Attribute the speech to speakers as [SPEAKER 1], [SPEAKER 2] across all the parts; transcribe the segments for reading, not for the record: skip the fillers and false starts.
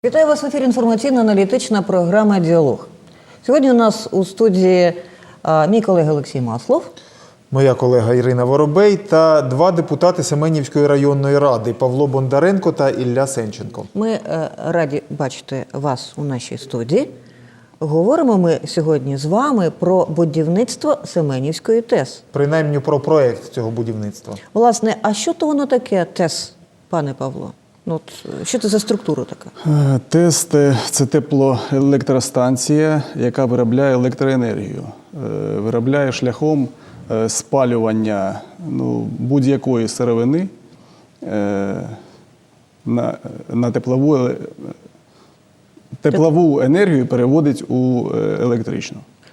[SPEAKER 1] Вітаю вас в ефірі інформаційно-аналітична програма «Діалог». Сьогодні у нас у студії мій колега Олексій Маслов.
[SPEAKER 2] Моя колега Ірина Воробей та два депутати Семенівської районної ради Павло Бондаренко та Ілля Сенченко.
[SPEAKER 1] Ми раді бачити вас у нашій студії. Говоримо ми сьогодні з вами про будівництво Семенівської ТЕС.
[SPEAKER 2] Принаймні про проєкт цього будівництва.
[SPEAKER 1] Власне, а що то воно таке ТЕС, пане Павло? Що це за структура така?
[SPEAKER 3] ТЕС – це теплоелектростанція, яка виробляє електроенергію. Виробляє шляхом спалювання будь-якої сировини на теплову енергію переводить у електричну.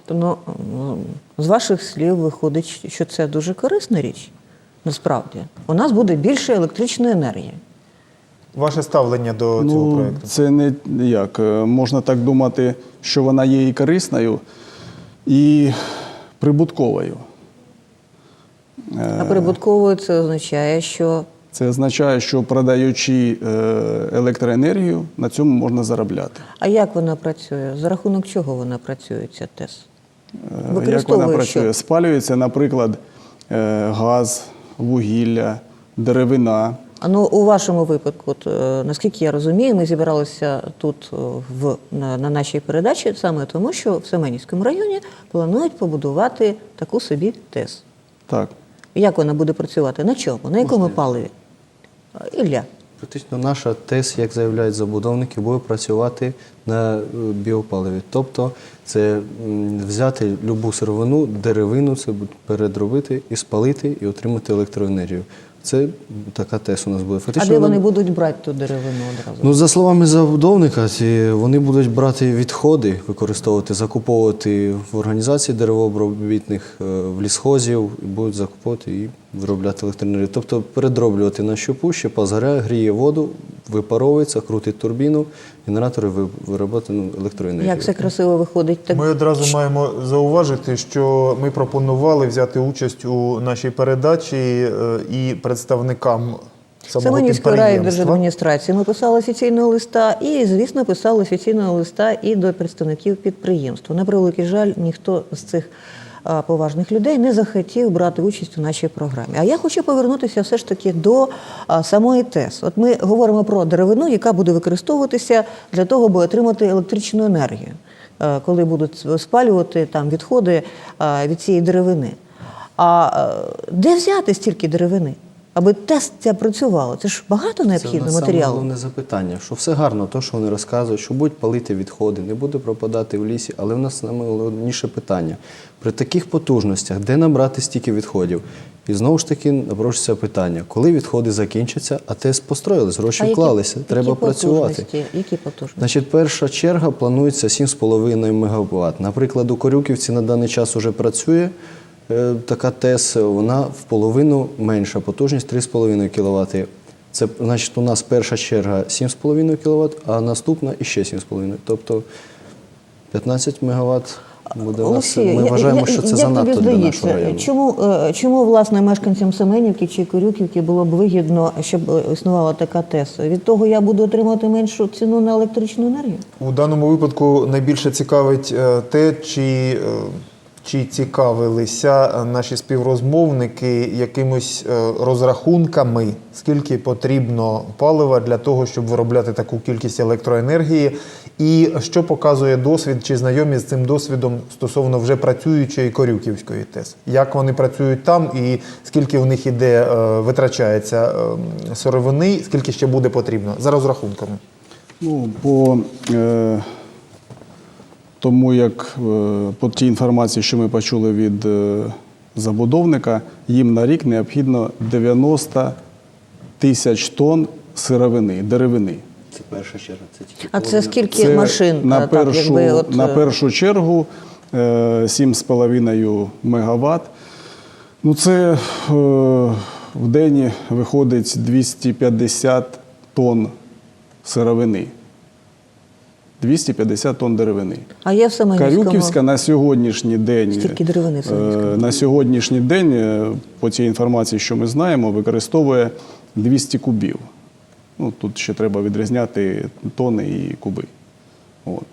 [SPEAKER 1] З ваших слів виходить, що це дуже корисна річ, насправді. У нас буде більше електричної енергії.
[SPEAKER 2] Ваше ставлення до цього проєкту?
[SPEAKER 3] Це не як. Можна так думати, що вона є і корисною, і прибутковою.
[SPEAKER 1] А прибутковою це означає, що?
[SPEAKER 3] Це означає, що продаючи електроенергію, на цьому можна заробляти.
[SPEAKER 1] А як вона працює? За рахунок чого вона працює, ця ТЕС?
[SPEAKER 3] Як вона працює? Що? Спалюється, наприклад, газ, вугілля, деревина.
[SPEAKER 1] У вашому випадку, наскільки я розумію, ми зібралися тут на нашій передачі саме тому, що в Семенівському районі планують побудувати таку собі ТЕС.
[SPEAKER 3] Так.
[SPEAKER 1] Як вона буде працювати? На чому? На якому паливі? Ілля.
[SPEAKER 4] Практично наша ТЕС, як заявляють забудовники, буде працювати на біопаливі. Тобто це взяти любу сировину, деревину, це передробити і спалити, і отримати електроенергію. Це така ТЕС у нас буде.
[SPEAKER 1] Фактично, де вони будуть брати ту деревину одразу?
[SPEAKER 4] За словами забудовника, вони будуть брати відходи, використовувати, закуповувати в організації деревообробітних, в лісхозів, і будуть закуповувати і виробляти електроенергію. Тобто передроблювати на щепу, щепа згоряє, гріє воду, випаровується, крутить турбіну, генератори виробляють електроенергію.
[SPEAKER 1] Як все красиво виходить.
[SPEAKER 2] Ми одразу маємо зауважити, що ми пропонували взяти участь у нашій передачі і представникам самого підприємства.
[SPEAKER 1] Семенівської райдержадміністрації ми писали офіційного листа і, звісно, писали офіційного листа і до представників підприємства. На превеликий жаль, ніхто з цих поважних людей не захотів брати участь у нашій програмі. А я хочу повернутися все ж таки до самої ТЕС. От ми говоримо про деревину, яка буде використовуватися для того, аби отримати електричну енергію, коли будуть спалювати там відходи від цієї деревини. А де взяти стільки деревини? Аби ТЕС ця працювала. Це ж багато необхідного матеріалу.
[SPEAKER 4] Це головне запитання, що все гарно, то, що вони розказують, що будуть палити відходи, не буде пропадати в лісі, але в нас найголовніше питання. При таких потужностях, де набрати стільки відходів? І знову ж таки напрошується питання, коли відходи закінчаться, а ТЕС построїлись, гроші вклалися, треба працювати.
[SPEAKER 1] Які потужності?
[SPEAKER 4] Значить, перша черга планується 7,5 МВт. Наприклад, у Корюківці на даний час вже працює така ТЕС, вона в половину менша, потужність 3,5 кВт. Це, значить, у нас перша черга 7,5 кВт, а наступна іще 7,5. Тобто 15 МВт буде у нас. Ми вважаємо, що це занадто для нашого району.
[SPEAKER 1] Чому, власне, мешканцям Семенівки чи Корюківки було б вигідно, щоб існувала така ТЕС? Від того я буду отримати меншу ціну на електричну енергію?
[SPEAKER 2] У даному випадку найбільше цікавить те, чи цікавилися наші співрозмовники якимось розрахунками, скільки потрібно палива для того, щоб виробляти таку кількість електроенергії, і що показує досвід, чи знайомі з цим досвідом стосовно вже працюючої Корюківської ТЕС? Як вони працюють там і скільки в них витрачається сировини, скільки ще буде потрібно, за розрахунками?
[SPEAKER 3] Тому як по тій інформації, що ми почули від забудовника, їм на рік необхідно 90 тисяч тонн сировини, деревини.
[SPEAKER 4] Це перша черга.
[SPEAKER 1] А це скільки машин?
[SPEAKER 3] На першу чергу 7,5 МВт. Це в день виходить 250 тонн сировини. 250 тонн деревини.
[SPEAKER 1] А є в Семенівському?
[SPEAKER 3] Корюківська на сьогоднішній день,
[SPEAKER 1] стільки деревини в Семенівському?
[SPEAKER 3] На сьогоднішній день, по тій інформації, що ми знаємо, використовує 200 кубів. Ну, тут ще треба відрізняти тони і куби. От.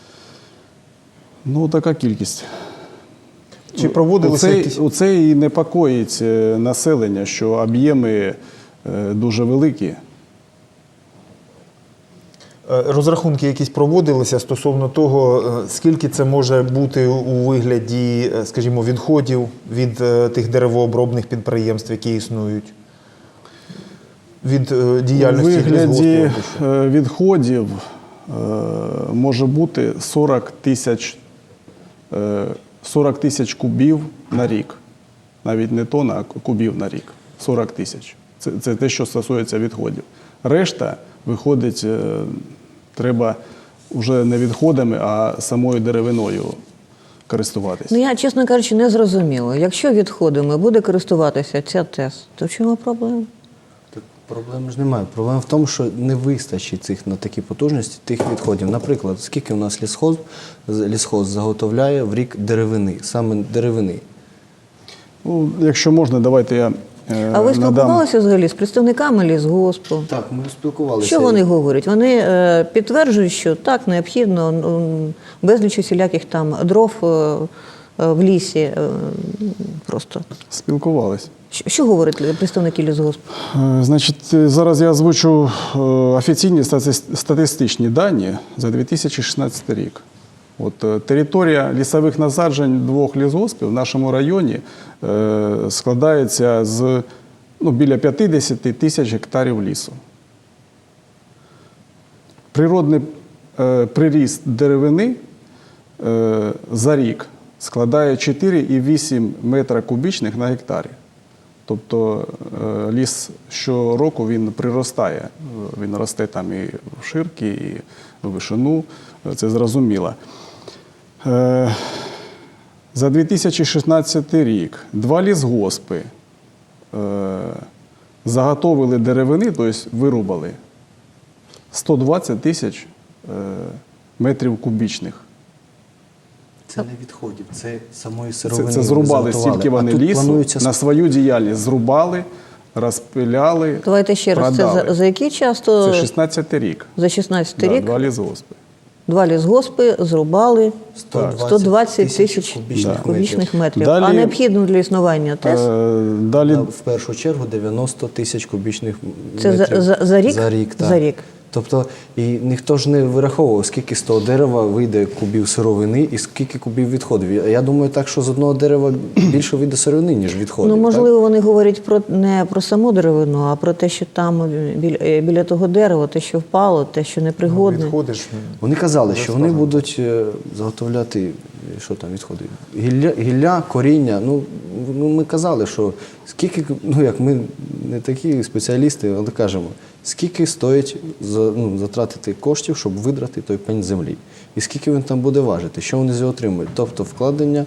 [SPEAKER 3] Ну, така кількість.
[SPEAKER 2] Чи проводилися якісь...
[SPEAKER 3] Оце і непокоїть населення, що об'єми дуже великі.
[SPEAKER 2] Розрахунки якісь проводилися стосовно того, скільки це може бути у вигляді, скажімо, відходів від тих деревообробних підприємств, які існують? Від діяльності
[SPEAKER 3] У вигляді
[SPEAKER 2] лісгоспів?
[SPEAKER 3] відходів може бути 40 тисяч кубів на рік. Навіть не тонн, а кубів на рік. 40 тисяч. Це те, що стосується відходів. Решта виходить, треба вже не відходами, а самою деревиною користуватися.
[SPEAKER 1] Ну, я, чесно кажучи, не зрозуміла. Якщо відходами буде користуватися ця ТЕС, то в чому проблема?
[SPEAKER 4] Так проблеми ж немає. Проблема в тому, що не вистачить цих на такі потужності тих відходів. Наприклад, скільки у нас лісхоз заготовляє в рік деревини, саме деревини.
[SPEAKER 3] Ну, якщо можна, давайте я
[SPEAKER 1] А ви
[SPEAKER 3] надам.
[SPEAKER 1] спілкувалися взагалі з представниками лісгоспу?
[SPEAKER 4] Так, ми спілкувалися.
[SPEAKER 1] Що вони говорять? Вони підтверджують, що так, необхідно безліч усіляких там дров в лісі просто.
[SPEAKER 3] Спілкувались.
[SPEAKER 1] Що говорять представники лісгоспу?
[SPEAKER 3] Значить, зараз я озвучу офіційні статистичні дані за 2016 рік. От, територія лісових насаджень двох лісгоспів в нашому районі складається з біля 50 тисяч гектарів лісу. Природний приріст деревини за рік складає 4,8 метра кубічних на гектарі. Тобто ліс щороку він приростає. Він росте там і в ширки, і в вишину. Це зрозуміло. За 2016 рік два лісгоспи заготовили деревини, тобто вирубали 120 тисяч метрів кубічних.
[SPEAKER 4] Це не відходів, це самої сировини.
[SPEAKER 3] Це зрубали, стільки вони лісу
[SPEAKER 4] планується...
[SPEAKER 3] на свою діяльність зрубали, розпиляли,
[SPEAKER 1] Давайте ще раз,
[SPEAKER 3] продали.
[SPEAKER 1] це за який час? То...
[SPEAKER 3] Це 16-й рік.
[SPEAKER 1] За 16-й
[SPEAKER 3] Да,
[SPEAKER 1] рік
[SPEAKER 3] два лісгоспи.
[SPEAKER 1] два лісгоспи зрубали 120 тисяч
[SPEAKER 4] кубічних
[SPEAKER 1] кубічних метрів.
[SPEAKER 3] Далі-
[SPEAKER 1] А необхідно для існування ТЕС?
[SPEAKER 3] Далі
[SPEAKER 4] В першу чергу 90 тисяч кубічних
[SPEAKER 1] Це
[SPEAKER 4] метрів.
[SPEAKER 1] за рік?
[SPEAKER 4] За рік, так.
[SPEAKER 1] За рік.
[SPEAKER 4] Тобто, і ніхто ж не вираховував, скільки з того дерева вийде кубів сировини і скільки кубів відходів. Я думаю так, що з одного дерева більше вийде сировини, ніж відходів.
[SPEAKER 1] Ну,
[SPEAKER 4] так?
[SPEAKER 1] можливо, вони говорять не про саму деревину, а про те, що там біля того дерева, те, що впало, те, що непригодне.
[SPEAKER 2] Відходиш.
[SPEAKER 4] Вони казали, що вони будуть заготовляти, що там відходить, гілля, коріння. Ну, ми казали, що скільки, як ми не такі спеціалісти, але кажемо, скільки стоїть затратити коштів, щоб видрати той пень землі. І скільки він там буде важити, що вони з нього отримують. Тобто вкладення,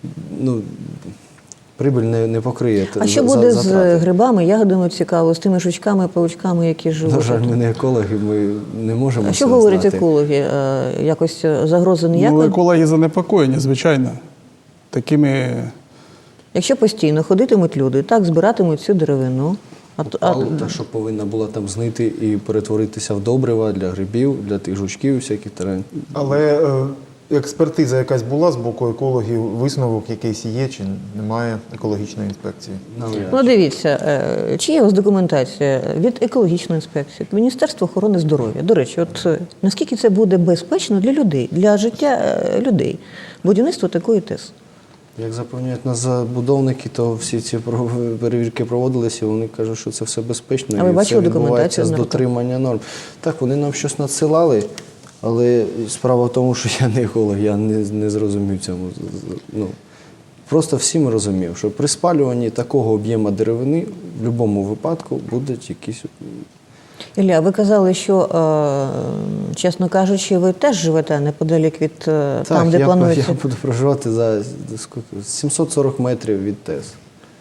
[SPEAKER 4] прибиль не покриє.
[SPEAKER 1] А що буде з
[SPEAKER 4] затрати.
[SPEAKER 1] грибами, ягодами цікаво, з тими жучками, павучками, які живуть?
[SPEAKER 4] На жаль, ми не екологи, ми не можемо
[SPEAKER 1] А що
[SPEAKER 4] це
[SPEAKER 1] говорять
[SPEAKER 4] знати.
[SPEAKER 1] екологи? Якось загрози ніякої?
[SPEAKER 3] екологи занепокоєні, звичайно. Такими
[SPEAKER 1] Якщо постійно ходитимуть люди, так, збиратимуть цю деревину.
[SPEAKER 4] Та, що повинна була там знити і перетворитися в добрива для грибів, для тих жучків, всяких терен.
[SPEAKER 2] Але експертиза якась була з боку екологів, висновок якийсь є, чи немає екологічної інспекції?
[SPEAKER 1] Ну, дивіться, чи є у вас документація від екологічної інспекції, від Міністерства охорони здоров'я? До речі, наскільки це буде безпечно для людей, для життя людей, будівництво такої ТЕС?
[SPEAKER 4] Як запевняють нас забудовники, то всі ці перевірки проводилися, і вони кажуть, що це все безпечно.
[SPEAKER 1] А ви
[SPEAKER 4] і
[SPEAKER 1] бачили
[SPEAKER 4] все відбувається
[SPEAKER 1] документацію
[SPEAKER 4] з
[SPEAKER 1] на руках?
[SPEAKER 4] дотримання норм. Так, вони нам щось надсилали, але справа в тому, що я не еколог, я не зрозумів цьому. Просто всі ми розуміємо, що при спалюванні такого об'єму деревини в будь-якому випадку будуть якісь...
[SPEAKER 1] Ілля, ви казали, що, чесно кажучи, ви теж живете неподалік від там, де планується.
[SPEAKER 4] Я буду проживати за 740 метрів від ТЕС.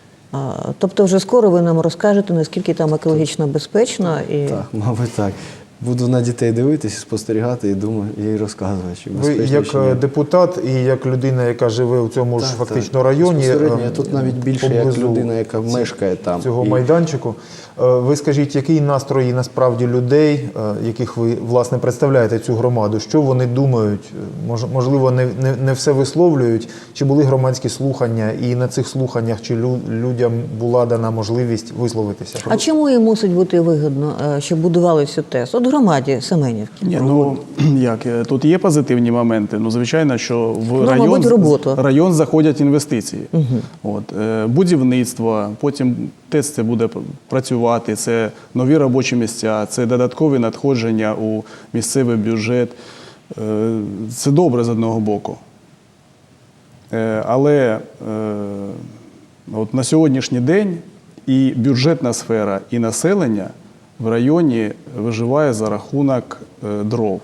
[SPEAKER 1] Тобто вже скоро ви нам розкажете, наскільки там екологічно безпечно. І...
[SPEAKER 4] Так, мабуть, так. Буду на дітей дивитися, спостерігати і думаю, і розказувати. Чи
[SPEAKER 2] Ви
[SPEAKER 4] безпечно, чи ні.
[SPEAKER 2] як депутат і як людина, яка живе у цьому ж
[SPEAKER 4] Так,
[SPEAKER 2] фактично
[SPEAKER 4] так.
[SPEAKER 2] районі,
[SPEAKER 4] Безпосередньо, я тут навіть більше як
[SPEAKER 2] поблизу
[SPEAKER 4] людина, яка мешкає там.
[SPEAKER 2] цього
[SPEAKER 4] І
[SPEAKER 2] майданчику. Ви скажіть, які настрої насправді людей, яких ви, власне, представляєте цю громаду? Що вони думають? Можливо, не все висловлюють? Чи були громадські слухання? І на цих слуханнях чи людям була дана можливість висловитися?
[SPEAKER 1] А чому їм мусить бути вигідно, щоб будували цю ТЕС? От в громаді Семенівки.
[SPEAKER 3] Ні, ну як, тут є позитивні моменти. Ну, звичайно, що в
[SPEAKER 1] мабуть, роботу.
[SPEAKER 3] район заходять інвестиції. От, будівництво, потім ТЕЦ це буде працювати, це нові робочі місця, це додаткові надходження у місцевий бюджет. Це добре з одного боку. Але от на сьогоднішній день і бюджетна сфера, і населення в районі виживає за рахунок дров.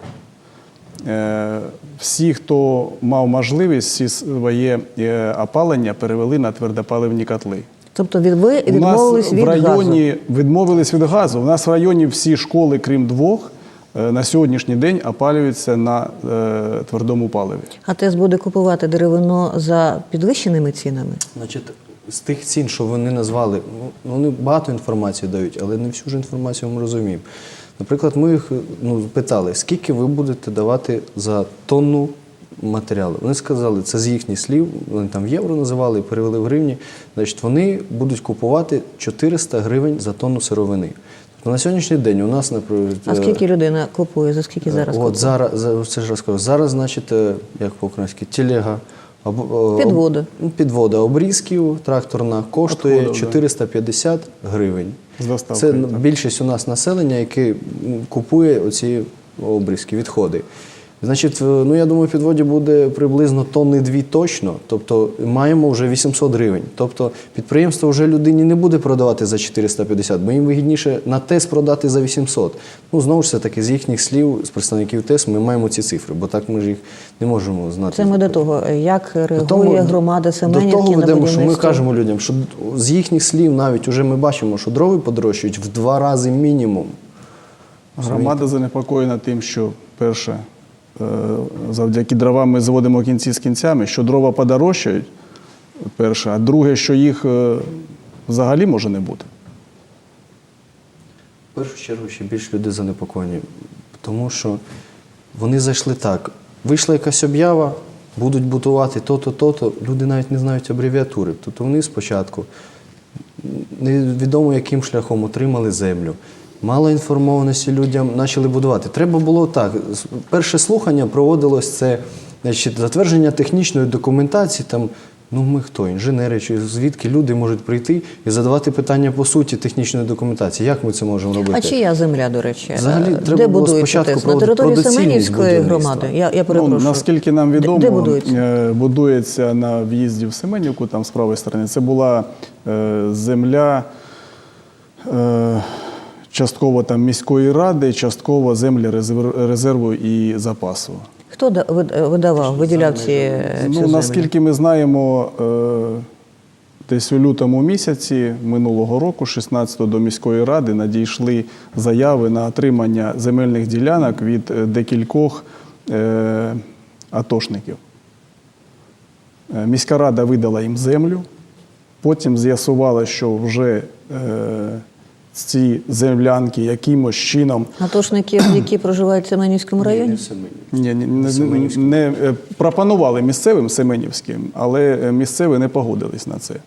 [SPEAKER 3] Всі, хто мав можливість, всі своє опалення перевели на твердопаливні котли.
[SPEAKER 1] Тобто ви
[SPEAKER 3] У
[SPEAKER 1] відмовились
[SPEAKER 3] нас
[SPEAKER 1] від
[SPEAKER 3] в районі
[SPEAKER 1] газу.
[SPEAKER 3] відмовились від газу. У нас в районі всі школи, крім двох, на сьогоднішній день опалюються на твердому паливі.
[SPEAKER 1] А ТЕС буде купувати деревино за підвищеними цінами?
[SPEAKER 4] Значить, з тих цін, що вони назвали, вони багато інформації дають, але не всю ж інформацію ми розуміємо. Наприклад, ми їх питали, скільки ви будете давати за тонну матеріалу. Вони сказали, це з їхніх слів, вони там в євро називали, перевели в гривні. Значить, вони будуть купувати 400 гривень за тонну сировини. Тобто на сьогоднішній день у нас, наприклад...
[SPEAKER 1] А скільки людина купує? За скільки зараз купує?
[SPEAKER 4] От зараз, це ж розкажу. Зараз, значить, як по-українськи, телега,
[SPEAKER 1] Підвода.
[SPEAKER 4] Підвода обрізків тракторна коштує
[SPEAKER 3] Підходи,
[SPEAKER 4] 450 гривень.
[SPEAKER 3] З доставкою,
[SPEAKER 4] Це
[SPEAKER 3] так.
[SPEAKER 4] більшість у нас населення, яке купує оці обрізки, відходи. Значить, ну я думаю, в підводі буде приблизно тонни 2 точно, тобто маємо вже 800 гривень. Тобто підприємство вже людині не буде продавати за 450, бо їм вигідніше на ТЕС продати за 800. Ну, знову ж таки, з їхніх слів, з представників ТЕС, ми маємо ці цифри, бо так ми ж їх не можемо знати.
[SPEAKER 1] Це ми до того, як реагує громада Семенівки
[SPEAKER 4] до того
[SPEAKER 1] на
[SPEAKER 4] ведемо,
[SPEAKER 1] будівництво.
[SPEAKER 4] що ми кажемо людям, що з їхніх слів навіть вже ми бачимо, що дрови подорожчують в 2 рази мінімум.
[SPEAKER 3] Громада занепокоєна тим, що перше, завдяки дровам ми зводимо кінці з кінцями, що дрова подорожчають, перше, а друге, що їх взагалі може не бути.
[SPEAKER 4] В першу чергу ще більше люди занепокоєні, тому що вони зайшли так. Вийшла якась об'ява, будуть будувати то-то, то-то, люди навіть не знають абревіатури. Тобто вони спочатку невідомо яким шляхом отримали землю. Мало інформованості людям почали будувати. Треба було так. Перше слухання проводилось це, значить, затвердження технічної документації. Там, ну ми хто, інженери, чи звідки люди можуть прийти і задавати питання по суті технічної документації. Як ми це можемо робити?
[SPEAKER 1] А чия земля, до речі?
[SPEAKER 4] Взагалі, треба
[SPEAKER 1] де
[SPEAKER 4] було
[SPEAKER 1] будується
[SPEAKER 4] спочатку
[SPEAKER 1] ТЕС? На території
[SPEAKER 4] про доцільність
[SPEAKER 1] Семенівської
[SPEAKER 4] будівництва.
[SPEAKER 1] громади? Я перепрошую.
[SPEAKER 3] Ну, наскільки нам відомо,
[SPEAKER 1] Де будується?
[SPEAKER 3] будується на в'їзді в Семенівку, там з правої сторони. Це була земля частково там міської ради, частково землі резерву і запасу.
[SPEAKER 1] Хто видавав, виділяв цю
[SPEAKER 3] Ну,
[SPEAKER 1] землю?
[SPEAKER 3] наскільки ми знаємо, десь у лютому місяці минулого року, 16-го, до міської ради надійшли заяви на отримання земельних ділянок від декількох атошників. Міська рада видала їм землю, потім з'ясувала, що вже ці землянки якимось чином
[SPEAKER 1] Атошників, які проживають в Семенівському районі?
[SPEAKER 3] не пропонували місцевим семенівським, але місцеві не погодились на це.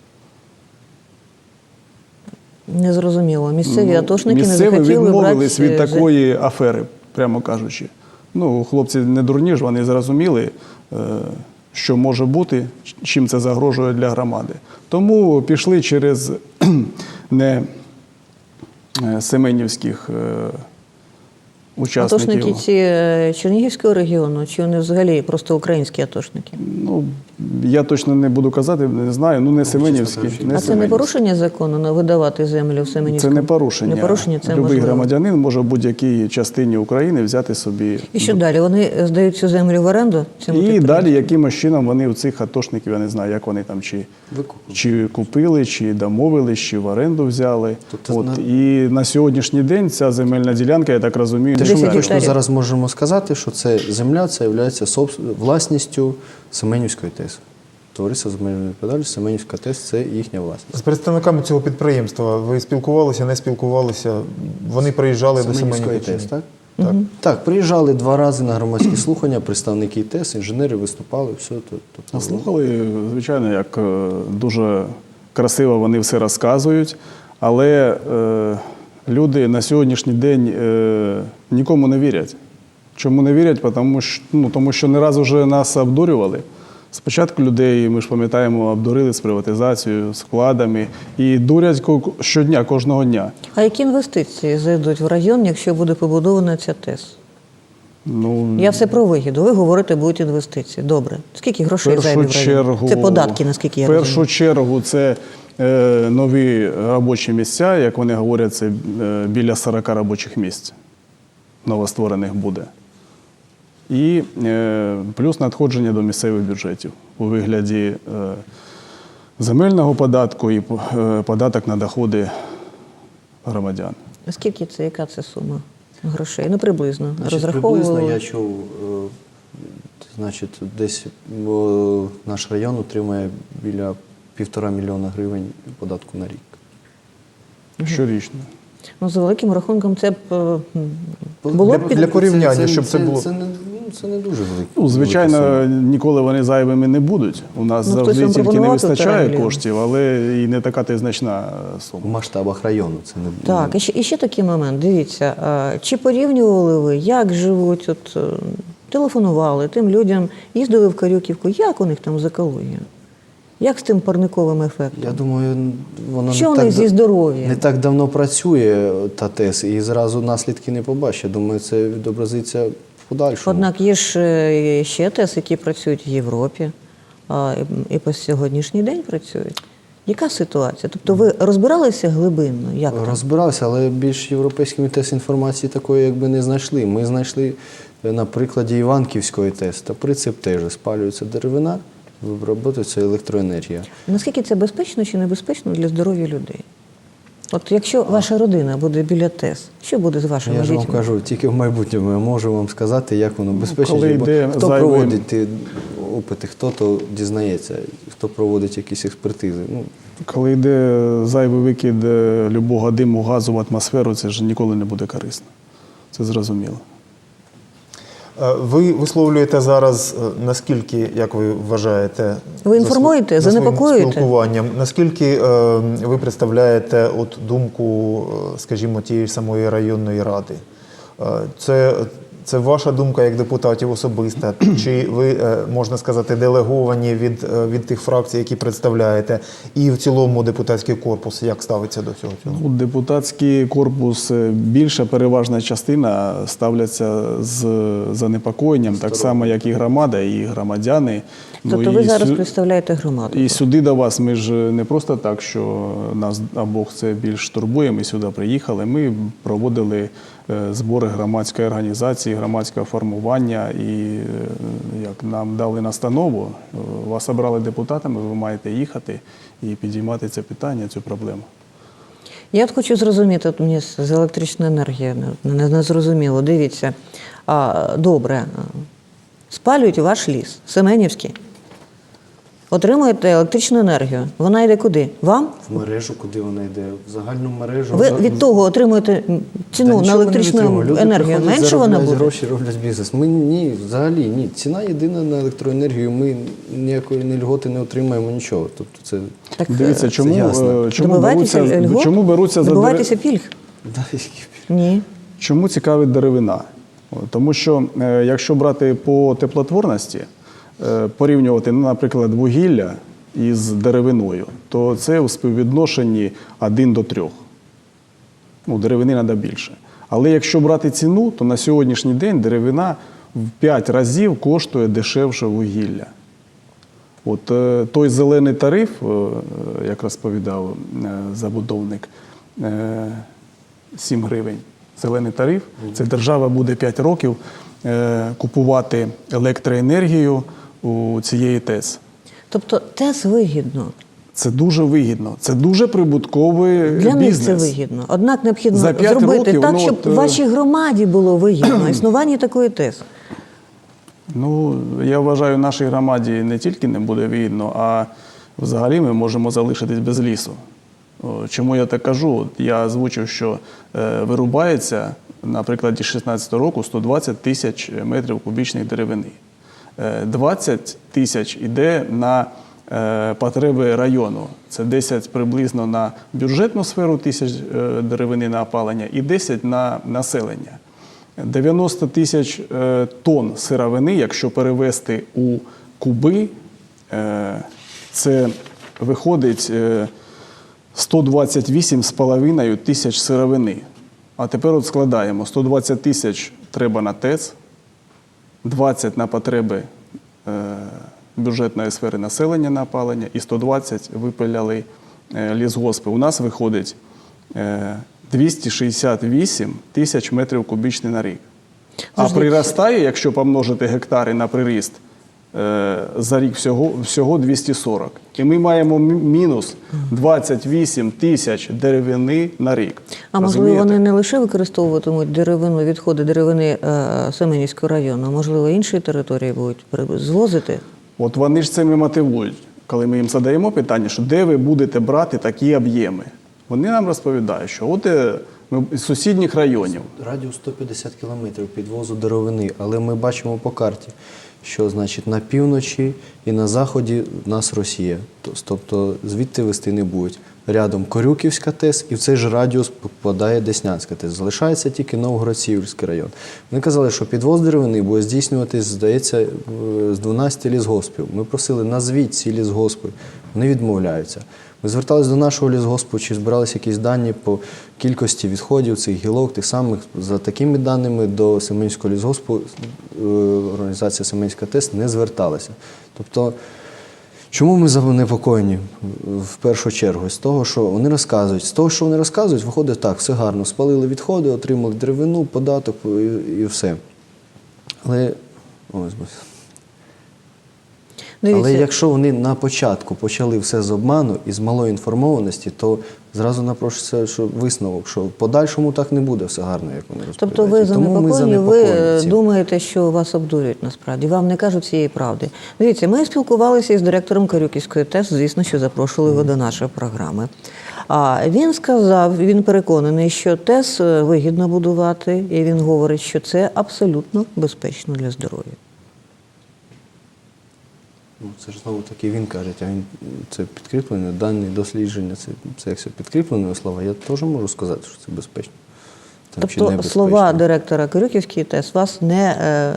[SPEAKER 1] Незрозуміло. Місцеві атошники не
[SPEAKER 3] Місцеві
[SPEAKER 1] захотіли брати...
[SPEAKER 3] відмовились від такої афери, прямо кажучи. Ну, хлопці не дурні ж, вони зрозуміли, що може бути, чим це загрожує для громади. Тому пішли через не семенівських учасників.
[SPEAKER 1] Атошники ці Чернігівського регіону, чи вони взагалі просто українські атошники?
[SPEAKER 3] Ну, Я точно не буду казати, не знаю, не Семенівський.
[SPEAKER 4] кажучи,
[SPEAKER 3] Не
[SPEAKER 1] А це не
[SPEAKER 3] Семенівський.
[SPEAKER 1] порушення закону видавати землю в
[SPEAKER 3] Це
[SPEAKER 1] Семенівському?
[SPEAKER 3] не порушення.
[SPEAKER 1] Не порушення, це
[SPEAKER 3] Любий
[SPEAKER 1] можливо.
[SPEAKER 3] громадянин може в будь-якій частині України взяти собі.
[SPEAKER 1] І що далі? Вони здають цю землю в оренду? цьому
[SPEAKER 3] І
[SPEAKER 1] підприємству?
[SPEAKER 3] далі якимось чином вони у цих атошників, я не знаю, як вони там чи купили, чи домовились, чи в оренду взяли.
[SPEAKER 4] Тобто
[SPEAKER 3] І на сьогоднішній день ця земельна ділянка, я так розумію,
[SPEAKER 4] Те,
[SPEAKER 3] не
[SPEAKER 4] що ми
[SPEAKER 1] 10
[SPEAKER 4] точно
[SPEAKER 1] гектарів.
[SPEAKER 4] зараз можемо сказати, що це земля, це є власністю Семенівської ТЕС. Товариство з обмеженою відповідальністю, Семенівська ТЕС – це їхня власність.
[SPEAKER 2] З представниками цього підприємства ви спілкувалися, не спілкувалися? Вони приїжджали до
[SPEAKER 4] Семенівської
[SPEAKER 2] Семенівки?
[SPEAKER 4] ТЕС, так? Так, приїжджали 2 рази на громадські слухання, представники ТЕС, інженери виступали, все. Тобто,
[SPEAKER 3] Слухали, звичайно, як дуже красиво вони все розказують, але люди на сьогоднішній день нікому не вірять. Чому не вірять? Тому що не раз вже нас обдурювали. Спочатку людей, ми ж пам'ятаємо, обдурили з приватизацією, з вкладами і дурять щодня, кожного дня.
[SPEAKER 1] А які інвестиції зайдуть в район, якщо буде побудована ця ТЕС? Я все про вигіду. Ви говорите, будуть інвестиції. Добре. Скільки грошей зайде в район? Це податки, наскільки я
[SPEAKER 3] В першу
[SPEAKER 1] розумію.
[SPEAKER 3] чергу це нові робочі місця, як вони говорять, це біля 40 робочих місць новостворених буде. І плюс надходження до місцевих бюджетів у вигляді земельного податку і податок на доходи громадян.
[SPEAKER 1] Скільки це, яка це сума грошей? Ну, приблизно.
[SPEAKER 4] Значить,
[SPEAKER 1] Розраховували?
[SPEAKER 4] приблизно я чув, значить, десь наш район отримає біля 1,5 мільйона гривень податку на рік.
[SPEAKER 3] Щорічно.
[SPEAKER 1] Ну, за великим рахунком це б було б
[SPEAKER 2] Для порівняння, щоб це було.
[SPEAKER 4] Це не дуже велике.
[SPEAKER 3] Ну, звичайно, ніколи вони зайвими не будуть. У нас
[SPEAKER 1] Ну, хтось
[SPEAKER 3] завжди
[SPEAKER 1] вам
[SPEAKER 3] тільки не
[SPEAKER 1] пропонував 1,5
[SPEAKER 3] вистачає
[SPEAKER 1] мільйона?
[SPEAKER 3] коштів, але і не така та значна
[SPEAKER 4] В
[SPEAKER 3] сума.
[SPEAKER 4] масштабах району це не
[SPEAKER 1] Так, і ще такий момент. Дивіться, чи порівнювали ви, як живуть, телефонували тим людям, їздили в Карюківку, як у них там з екологією? Як з тим парниковим ефектом?
[SPEAKER 4] Я думаю, воно
[SPEAKER 1] Що
[SPEAKER 4] не
[SPEAKER 1] у них зі здоров'ям?
[SPEAKER 4] не так давно працює та ТЕС, і зразу наслідки не побачить. Думаю, це відобразиться в подальшому.
[SPEAKER 1] Однак є ж ще ТЕС, які працюють в Європі, і по сьогоднішній день працюють. Яка ситуація? Тобто ви розбиралися глибинно? Як там?
[SPEAKER 4] Розбиралися, але більш європейськими ТЕС інформації такої якби не знайшли. Ми знайшли на прикладі Іванківської ТЕС, та принцип теж спалюється деревина, виробляється електроенергія.
[SPEAKER 1] Наскільки це безпечно чи небезпечно для здоров'я людей? От якщо ваша родина буде біля ТЕС, що буде з вашими
[SPEAKER 4] Я ж вам
[SPEAKER 1] дітьми?
[SPEAKER 4] кажу, тільки в майбутньому я можу вам сказати, як воно безпечно.
[SPEAKER 3] коли
[SPEAKER 4] бо
[SPEAKER 3] йде
[SPEAKER 4] хто
[SPEAKER 3] зайвий-
[SPEAKER 4] проводить ті опити, хто то дізнається, хто проводить якісь експертизи. Ну,
[SPEAKER 3] Коли йде зайвий викид любого диму, газу в атмосферу, це ж ніколи не буде корисно. Це зрозуміло.
[SPEAKER 2] Ви висловлюєте зараз, наскільки, як ви вважаєте,
[SPEAKER 1] Ви інформуєте,
[SPEAKER 2] за своїм
[SPEAKER 1] занепокоюєте?
[SPEAKER 2] спілкуванням, наскільки ви представляєте думку, скажімо, тієї ж самої районної ради? Це ваша думка як депутатів особиста? Чи ви, можна сказати, делеговані від тих фракцій, які представляєте? І в цілому депутатський корпус як ставиться до цього?
[SPEAKER 3] Депутатський корпус, більша переважна частина ставляться з занепокоєнням, так само, як і громада, і громадяни.
[SPEAKER 1] Тобто ви зараз представляєте громаду?
[SPEAKER 3] І сюди до вас, ми ж не просто так, що нас обох це більш турбує, ми сюди приїхали, ми проводили збори громадської організації, громадського формування і як нам дали настанову, вас обрали депутатами, ви маєте їхати і підіймати це питання, цю проблему.
[SPEAKER 1] Я от хочу зрозуміти, от мені з електричної енергії не зрозуміло. Дивіться, добре, спалюють ваш ліс, Семенівський, отримуєте електричну енергію. Вона йде куди? Вам?
[SPEAKER 4] в мережу, куди вона йде, в загальну мережу.
[SPEAKER 1] Ви від того отримуєте ціну на електричну енергію. Менше вона буде?
[SPEAKER 4] Гроші роблять бізнес. Ми ні, взагалі ні. Ціна єдина на електроенергію. Ми ніякої ні льготи не отримаємо, нічого. Тобто це
[SPEAKER 1] Так,
[SPEAKER 3] Дивіться,
[SPEAKER 4] ясно.
[SPEAKER 1] добивайтеся льгот?
[SPEAKER 3] чому беруться за
[SPEAKER 1] Добивайтеся пільг? Ні.
[SPEAKER 3] Чому цікавить деревина? Тому що, якщо брати по теплотворності, порівнювати, наприклад, вугілля із деревиною, то це у співвідношенні 1 до 3. Деревини треба більше. Але якщо брати ціну, то на сьогоднішній день деревина в 5 разів коштує дешевше вугілля. От той зелений тариф, як розповідав забудовник, 7 гривень. Зелений тариф, це держава буде 5 років купувати електроенергію у цієї ТЕС.
[SPEAKER 1] Тобто ТЕС вигідно.
[SPEAKER 3] Це дуже вигідно, це дуже прибутковий
[SPEAKER 1] Для них
[SPEAKER 3] бізнес.
[SPEAKER 1] це вигідно. Однак необхідно
[SPEAKER 3] За 5
[SPEAKER 1] зробити
[SPEAKER 3] років,
[SPEAKER 1] так,
[SPEAKER 3] ну,
[SPEAKER 1] щоб
[SPEAKER 3] от,
[SPEAKER 1] вашій громаді було вигідно існування такої ТЕС.
[SPEAKER 3] Ну, я вважаю, нашій громаді не тільки не буде вигідно, а взагалі ми можемо залишитись без лісу. Чому я так кажу? Я озвучив, що вирубається на прикладі 2016 року 120 тисяч метрів кубічних деревини. 20 тисяч йде на потреби району. Це 10 приблизно на бюджетну сферу тисяч деревини на опалення і 10 на населення. 90 тисяч тонн сировини, якщо перевести у куби, це виходить 128,5 тисяч сировини. А тепер от складаємо, 120 тисяч треба на ТЕЦ, 20 на потреби бюджетної сфери населення на опалення і 120 випиляли лісгоспи. У нас виходить 268 тисяч метрів кубічних на рік. А приростає, якщо помножити гектари на приріст, за рік всього 240. І ми маємо мінус 28 тисяч деревини на рік.
[SPEAKER 1] А можливо, вони не лише використовуватимуть деревину, відходи деревини Семенівського району, а можливо, інші території будуть звозити?
[SPEAKER 3] От вони ж цим і мотивують. Коли ми їм задаємо питання, що де ви будете брати такі об'єми, вони нам розповідають, що от ми з сусідніх районів.
[SPEAKER 4] Радіус 150 кілометрів підвозу деревини, але ми бачимо по карті, що значить на півночі і на заході в нас Росія. Тобто звідти вести не будуть. Рядом Корюківська ТЕС і в цей же радіус попадає Деснянська ТЕС. Залишається тільки Новгород-Сіверський район. Вони казали, що підвоз деревини буде здійснюватись, здається, з 12 лісгоспів. Ми просили, назвіть ці лісгоспи. Вони відмовляються. Ми зверталися до нашого лісгоспу, чи збиралися якісь дані по кількості відходів цих гілок, тих самих. За такими даними до Семенівського лісгоспу організація Семенівська ТЕС не зверталася. Тобто, чому ми занепокоєні в першу чергу? З того, що вони розказують. З того, що вони розказують, виходить так, все гарно. Спалили відходи, отримали деревину, податок і все. Але, але якщо вони на початку почали все з обману і з малої інформованості, то зразу напрошується, що висновок, що в подальшому так не буде все гарно, як вони розповідають.
[SPEAKER 1] Тобто ви занепокоєні, ви
[SPEAKER 4] цим.
[SPEAKER 1] думаєте, що вас обдурюють насправді, вам не кажуть цієї правди. Дивіться, ми спілкувалися із директором Корюківської ТЕС, звісно, що запрошували його до нашої програми. А він сказав, він переконаний, що ТЕС вигідно будувати, і він говорить, що це абсолютно безпечно для здоров'я.
[SPEAKER 4] Ну, це ж знову таки він каже, а він це підкріплено, дані дослідження, це як все підкріплені слова. Я теж можу сказати, що це безпечно.
[SPEAKER 1] Тобто слова директора Корюківської ТЕС вас не...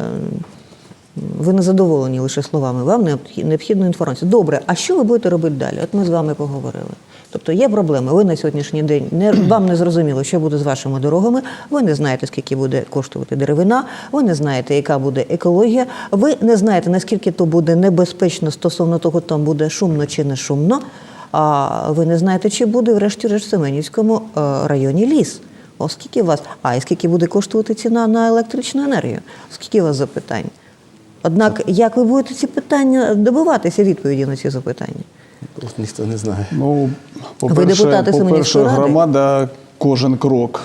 [SPEAKER 1] Ви не задоволені лише словами, вам необхідна інформація. Добре, а що ви будете робити далі? От ми з вами поговорили. Тобто є проблеми, ви на сьогоднішній день, вам не зрозуміло, що буде з вашими дорогами, ви не знаєте, скільки буде коштувати деревина, ви не знаєте, яка буде екологія, ви не знаєте, наскільки то буде небезпечно стосовно того, там буде шумно чи не шумно, а ви не знаєте, чи буде врешті-решт в Семенівському районі ліс. Оскільки у вас, і скільки буде коштувати ціна на електричну енергію? Скільки у вас запитань? Однак, як ви будете ці питання добиватися відповіді на ці запитання?
[SPEAKER 4] Ніхто не знає.
[SPEAKER 3] Ну,
[SPEAKER 1] Ви депутати Семенівської ради?
[SPEAKER 3] громада кожен крок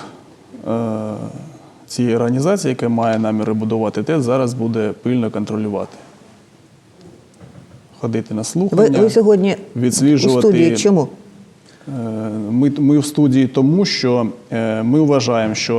[SPEAKER 3] цієї організації, яка має наміри будувати ТЕС, зараз буде пильно контролювати. Ходити на слухання,
[SPEAKER 1] ви сьогодні
[SPEAKER 3] відсліджувати.
[SPEAKER 1] у студії чому?
[SPEAKER 3] Ми в студії тому, що ми вважаємо, що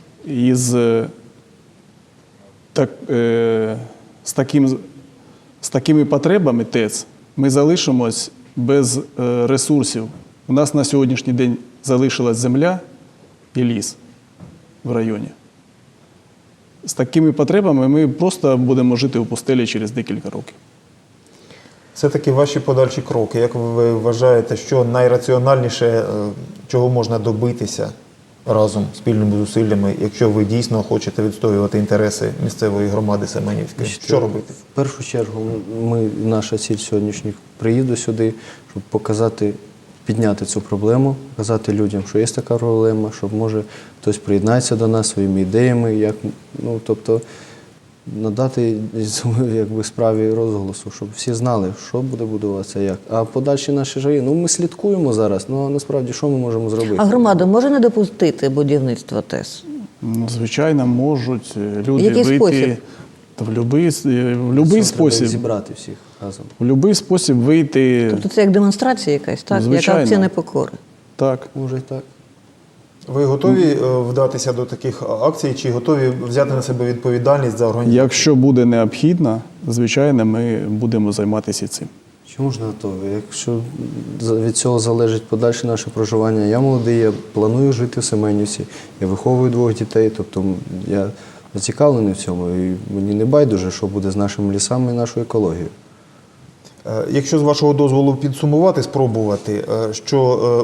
[SPEAKER 3] з такими потребами ТЕЦ ми залишимось без ресурсів. У нас на сьогоднішній день залишилась земля і ліс в районі. З такими потребами ми просто будемо жити у пустелі через декілька років.
[SPEAKER 2] Це такі ваші подальші кроки. Як ви вважаєте, що найраціональніше, чого можна добитися разом, спільними зусиллями, якщо ви дійсно хочете відстоювати інтереси місцевої громади Семенівської? Що робити?
[SPEAKER 4] В першу чергу, наша ціль сьогоднішніх приїзду сюди, щоб показати, підняти цю проблему, показати людям, що є така проблема, щоб, може, хтось приєднається до нас своїми ідеями, тобто надати якби, справі розголосу, щоб всі знали, що буде будуватися, як. А подальші наші жаї, ми слідкуємо зараз, а насправді що ми можемо зробити?
[SPEAKER 1] А громада може не допустити будівництва ТЕС?
[SPEAKER 3] Звичайно, можуть люди
[SPEAKER 1] Який
[SPEAKER 3] вийти
[SPEAKER 1] спосіб?
[SPEAKER 3] та в будь-який спосіб.
[SPEAKER 4] Зібрати всіх разом.
[SPEAKER 3] В будь-який спосіб вийти.
[SPEAKER 1] Тобто це як демонстрація якась, так?
[SPEAKER 3] Звичайно.
[SPEAKER 1] Як акція непокори.
[SPEAKER 3] Так.
[SPEAKER 4] Може і так.
[SPEAKER 2] Ви готові вдатися до таких акцій, чи готові взяти на себе відповідальність за організацію?
[SPEAKER 3] Якщо буде необхідно, звичайно, ми будемо займатися цим.
[SPEAKER 4] Чому ж не готові? Якщо від цього залежить подальше наше проживання, я молодий, я планую жити в Семенівці, я виховую 2 дітей, тобто я зацікавлений в цьому, і мені не байдуже, що буде з нашими лісами і нашою екологією.
[SPEAKER 2] Якщо з вашого дозволу підсумувати, спробувати, що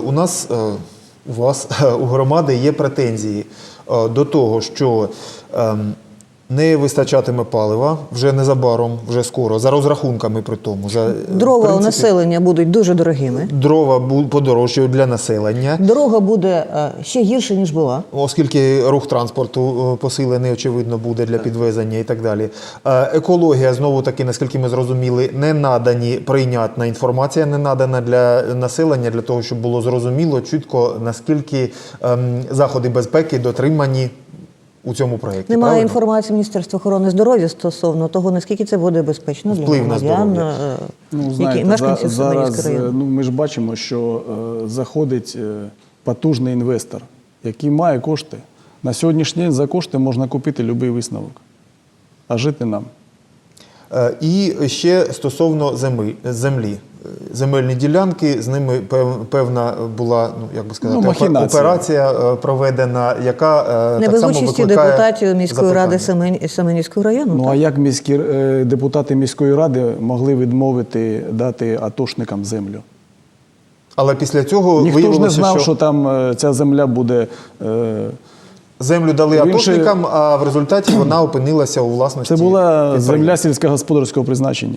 [SPEAKER 2] у вас, у громади є претензії до того, що не вистачатиме палива вже незабаром, вже скоро, за розрахунками при тому.
[SPEAKER 1] Дрова у населення будуть дуже дорогими.
[SPEAKER 2] Дрова подорожчають для населення.
[SPEAKER 1] Дорога буде ще гірше, ніж була.
[SPEAKER 2] Оскільки рух транспорту посилений, очевидно, буде для підвезення і так далі. Екологія, знову-таки, наскільки ми зрозуміли, не надані, прийнятна інформація не надана для населення, для того, щоб було зрозуміло чітко, наскільки заходи безпеки дотримані у цьому проєкті.
[SPEAKER 1] Немає
[SPEAKER 2] правильно?
[SPEAKER 1] інформації Міністерства охорони здоров'я стосовно того, наскільки це буде безпечно для
[SPEAKER 2] Вплив на
[SPEAKER 1] громадян,
[SPEAKER 2] здоров'я.
[SPEAKER 1] які мешканців
[SPEAKER 3] зараз
[SPEAKER 1] Семенівського району.
[SPEAKER 3] ми ж бачимо, що заходить потужний інвестор, який має кошти. На сьогоднішній день за кошти можна купити будь-який висновок, а жити нам.
[SPEAKER 2] І ще стосовно землі. Земельні ділянки, з ними певна була, як би сказати,
[SPEAKER 3] махінація.
[SPEAKER 2] операція проведена, яка
[SPEAKER 1] Не
[SPEAKER 2] так
[SPEAKER 1] без
[SPEAKER 2] само
[SPEAKER 1] участі
[SPEAKER 2] викликає
[SPEAKER 1] депутатів міської ради
[SPEAKER 2] запитання.
[SPEAKER 1] Семенівського району.
[SPEAKER 3] Ну
[SPEAKER 1] так?
[SPEAKER 3] а як депутати міської ради могли відмовити дати атошникам землю?
[SPEAKER 2] Але після цього
[SPEAKER 3] Ніхто ж не
[SPEAKER 2] виявилося,
[SPEAKER 3] знав, що там ця земля буде.
[SPEAKER 2] землю дали
[SPEAKER 3] Він
[SPEAKER 2] атошникам, а в результаті вона опинилася у власності
[SPEAKER 3] Це була
[SPEAKER 2] підприємства.
[SPEAKER 3] земля сільськогосподарського призначення.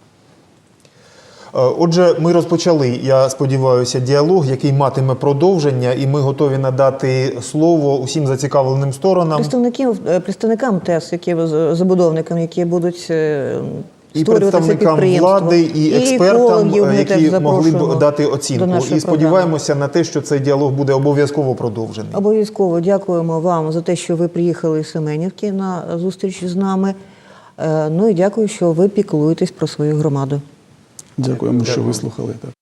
[SPEAKER 2] Отже, ми розпочали, я сподіваюся, діалог, який матиме продовження, і ми готові надати слово усім зацікавленим сторонам.
[SPEAKER 1] Представникам ТЕС, забудовникам, які будуть
[SPEAKER 2] І
[SPEAKER 1] створювати це
[SPEAKER 2] представникам
[SPEAKER 1] підприємство.
[SPEAKER 2] влади, і експертам,
[SPEAKER 1] екологів ми теж
[SPEAKER 2] які могли
[SPEAKER 1] запрошуємо
[SPEAKER 2] б дати
[SPEAKER 1] до
[SPEAKER 2] оцінку.
[SPEAKER 1] нашої
[SPEAKER 2] І сподіваємося на те, що цей діалог буде обов'язково продовжений.
[SPEAKER 1] Обов'язково дякуємо вам за те, що ви приїхали з Семенівки на зустріч з нами. Ну і дякую, що ви піклуєтесь про свою громаду.
[SPEAKER 3] Дякуємо, що
[SPEAKER 2] Дякую.
[SPEAKER 3] вислухали. Так.